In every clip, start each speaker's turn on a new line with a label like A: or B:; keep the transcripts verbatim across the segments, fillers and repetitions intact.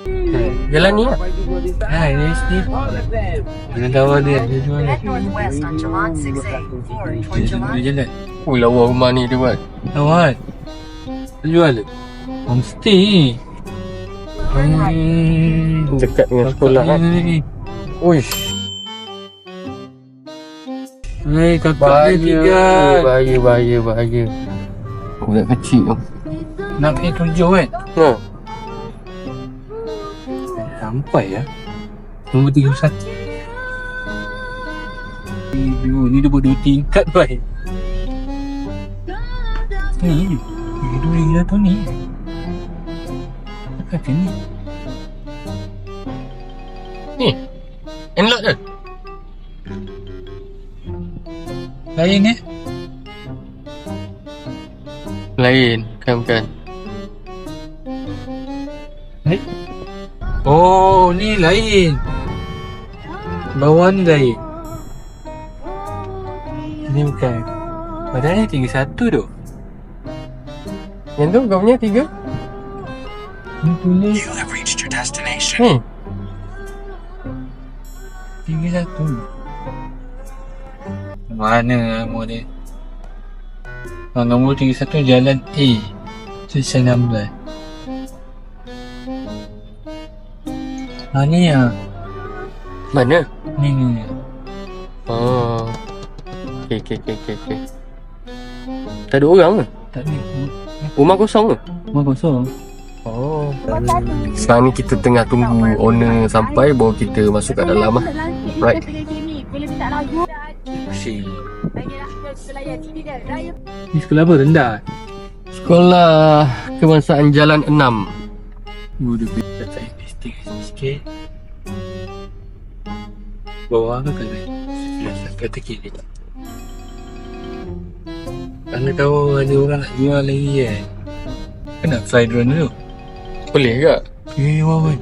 A: Jalan ni lah.
B: Ha, ini sini. Dia tahu dia. Dia jual.
C: Head northwest on Jalan six A, Ford toward
B: Dia
C: Jalan.
B: jalan.
A: Oh, lawa rumah ni dia buat.
B: Awak. Dia jual. Homestay. Hmm.
A: Dekat dengan sekolah kan. Uish.
B: Hei, kakak dia
A: Bahaya,
B: tinggal.
A: bahaya, bahaya, bahaya. Budak kecil tu.
B: Nak pergi tujuh kan?
A: Ha.
B: Sampai ya. Nombor tiga puluh satu. Ni, ni dia buat dua tingkat baik. Ni, ni dua gila tu ni. Kata ni.
A: Ni. Enlock dah.
B: Lain eh?
A: Lain, kan bukan.
B: Eh? Oh, ni lain. Bawah ni lain. Ni bukan. Padahal ni tiga satu tu.
A: Yang tu kau punya tiga?
B: Ni tulis
D: You have reached your destination.
A: Hmm.
B: tiga satu. Mana nombor dia? Oh, nombor tiga satu Jalan A. Selesai enam belas. Ha ni ya.
A: Mana?
B: Ni ni. ni.
A: Oh. Okey, okey, okey, okey. Okay. Tak ada orang ke?
B: Tak ni.
A: Rumah kosong ke?
B: Rumah kosong.
A: Oh. Sekarang ni kita tengah tunggu owner sampai baru kita masuk kat dalam lah. Right.
B: Pusing. Ni sekolah apa? Rendah?
A: Sekolah Kebangsaan Jalan enam.
B: Oh, dia beri saya investigasi sikit. Bawah ke kanan? Sebelah kata kiri. Anda tahu ada orang nak jual lagi kan? Kena fly drone dulu.
A: Boleh ke?
B: Eh, wah wah.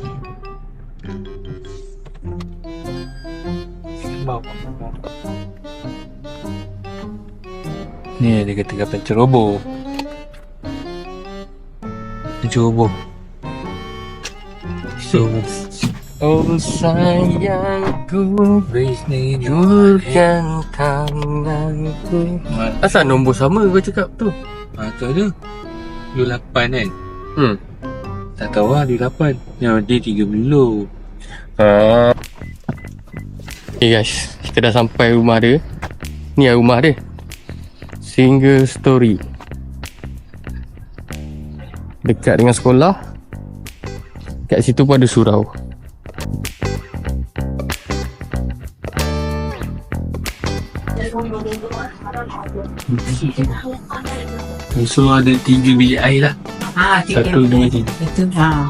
B: Sembang. Ni dia kata kapal ceroboh. Ceroboh. So,
A: Oh sayangku, julurkan tanganku. Asal nombor sama kau cakap tu?
B: ha, tu ada. Dua lapan kan?
A: Hmm.
B: Tak tahu lah dua lapan. Yang dia tiga puluh.
A: Uh. Okay guys, kita dah sampai rumah dia. Ni lah rumah dia. Single story. Dekat dengan sekolah. Kat situ pun ada surau.
B: So ada tiga bilik air lah.
E: Ah, tiga.
B: Satu, dua, tiga.
E: Itu ha.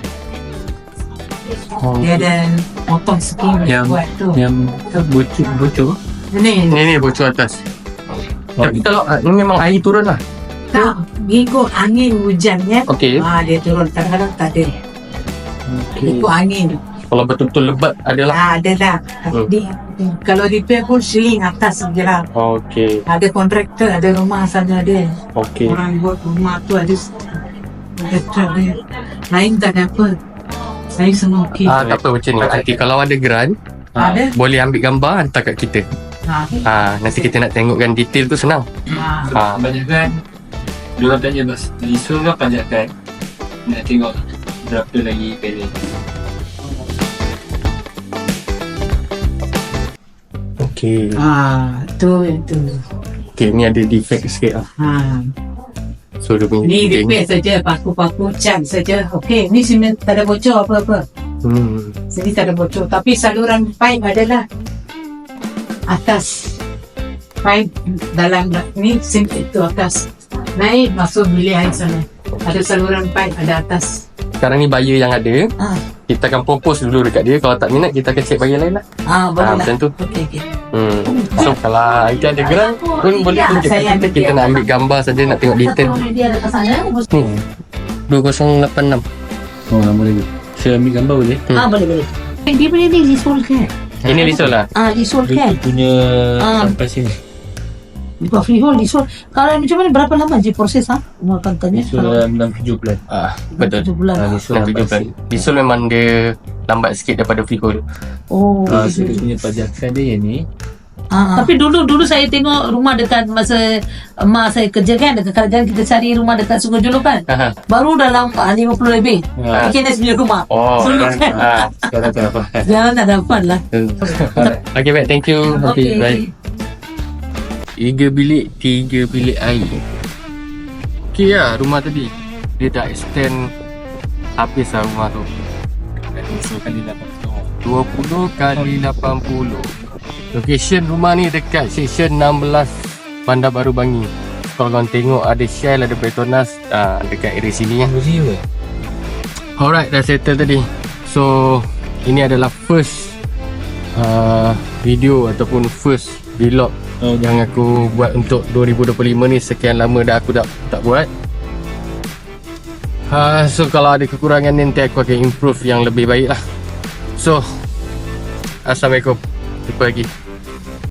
B: Oh.
E: Dia ada potong sikit
B: Yang
E: buat tu.
B: Yang bocor bocor.
E: Ni
A: Ni ni bocor atas.
B: Oh.
A: Tapi kalau ah, ni memang air turun lah.
E: tak mengikut angin hujan ya.
A: Okey.
E: Ah, dia turun kadang-kadang tak ada.
B: Okay.
E: Ikut angin.
A: Kalau betul-betul lebat adalah.
E: Ah, ada lah.
A: Hmm.
E: Di, kalau repair pun seling atas je lah.
A: Okey.
E: Ada kontraktor, ada rumah sana ada.
A: Okey.
E: Orang buat rumah tu ada kontraktor dia. Lain tak ada apa. Saya semua okey.
A: Ah, tak apa macam ni. Nanti kalau ada grant,
E: Ada.
A: boleh ambil gambar hantar kat kita.
E: Ha.
A: Ah, nanti kita nak tengokkan detail tu senang.
E: Ha.
A: Ah,
B: Pajakan. Dua tanya bas. Lisu ke pajakan? Nak tengok berapa lagi kali.
A: okey.
E: Ah, tu itu.
A: Okey, ni ada defect sikit lah.
E: Ha.
A: So dia punya
E: Ni
A: fitting.
E: repair saja, paku-paku cat saja. Okey, ni semen tak ada bocor apa-apa.
A: Hmm.
E: Sini tak ada bocor, tapi saluran pipe adalah atas. Pipe dalam ni sim itu atas. Naik masuk bilik air sana. Ada saluran pipe ada atas.
A: Sekarang ni buyer yang ada,
E: Ah,
A: kita akan propose dulu dekat dia. Kalau tak minat, kita akan check buyer lain lah.
E: ah boleh
A: Ah,
E: lah.
A: macam tu.
E: Okey, okey.
A: Hmm. So kalau kita ada grant pun boleh tunjuk
E: Saya
A: kita.
E: ambil
A: Kita
E: dia.
A: nak ambil gambar saja, nak tengok detail.
E: Dia ada kat sana.
A: Ni dua kosong lapan enam.
B: Oh, nama lagi. Saya ambil gambar boleh?
A: Hmm.
E: Ah, boleh boleh. Dia punya ni disolkan.
A: Ini risau lah.
E: Ah, disolkan.
B: Dia punya
E: Ah.
B: sampai sini.
D: Buat freehold, leasehold. Kalau macam mana, berapa lama je proses ha? Rumah kantanya?
B: So dalam enam tujuh bulan.
A: Ah, betul.
D: tujuh bulan.
B: Ah,
A: Enam
B: leasehold
A: tujuh bulan. Leasehold memang dia lambat sikit daripada freehold.
D: Oh,
B: Ah, so
D: gitu.
B: dia punya pajakan dia yang ni.
D: Ah, tapi dulu dulu saya tengok rumah dekat masa emak saya kerja kan, dekat kerajaan kita cari rumah dekat Sungai Jolo kan.
A: Aha.
D: Baru dalam ah, lima puluh lebih.
B: Ah.
D: Bikin dah sembilan rumah.
A: Oh,
D: Dulu
A: ah,
D: kan.
A: ah.
B: Sekarang tak apa.
D: Jangan tak dapat lah.
A: Okay, baik. Thank you.
D: Okey.
A: Baik. Tiga bilik, tiga bilik air. Okay lah rumah tadi. Dia dah extend habis lah rumah tu.
B: So kali lapan puluh.
A: dua puluh kali lapan puluh. Location rumah ni dekat section enam belas Bandar Baru Bangi. Kalau korang tengok ada Shell, ada Petronas uh, dekat area sini ya.
B: Muzi ke?
A: Alright, dah settle tadi. So ini adalah first uh, video ataupun first vlog
B: Oh,
A: yang aku buat untuk dua ribu dua puluh lima ni. Sekian lama dah aku tak tak buat. Uh, so kalau ada kekurangan ni nanti aku akan improve yang lebih baik lah. So Assalamualaikum. Jumpa lagi.